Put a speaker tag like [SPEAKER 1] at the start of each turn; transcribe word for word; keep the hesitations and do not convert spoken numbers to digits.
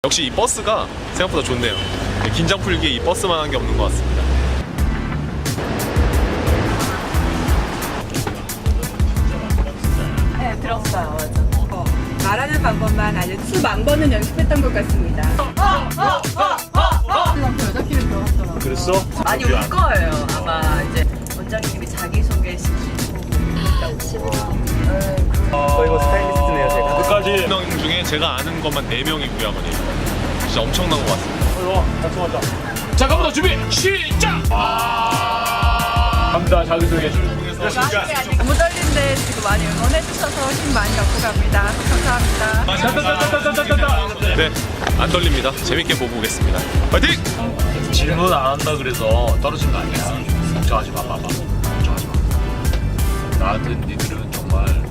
[SPEAKER 1] 역시 이 버스가 생각보다 좋네요. 긴장 풀기에 이 버스만한 게 없는 것 같습니다.
[SPEAKER 2] 네, 들었어요. 맞아. 어, 말하는 방법만 아주 수만 번은 연습했던 것 같습니다. 여자끼리 들어갔잖아.
[SPEAKER 1] 그랬어?
[SPEAKER 2] 많이 울 거예요. 아마 이제 원장님이 자기소개 시키고 그랬다고 치고.
[SPEAKER 3] 거의 뭐 스타일리스트네요 제가.
[SPEAKER 1] 끝까지 명 중에 제가 아는 것만 네 명이고요, 아버님. 진짜 엄청난 것 같습니다.
[SPEAKER 4] 자, 갑니다. 준비 시작. 아 갑니다. 자기소개.
[SPEAKER 2] 너무 떨린데 지금 많이 응원해 주셔서 힘 많이 얻고 갑니다. 감사합니다.
[SPEAKER 1] 네, 안 떨립니다. 재밌게 보고 오겠습니다. 파이팅!
[SPEAKER 4] 질문 안 한다 그래서 떨어진 거 아니야. 걱정하지 마, 봐봐. 걱정하지 마. 나한테 니들은 정말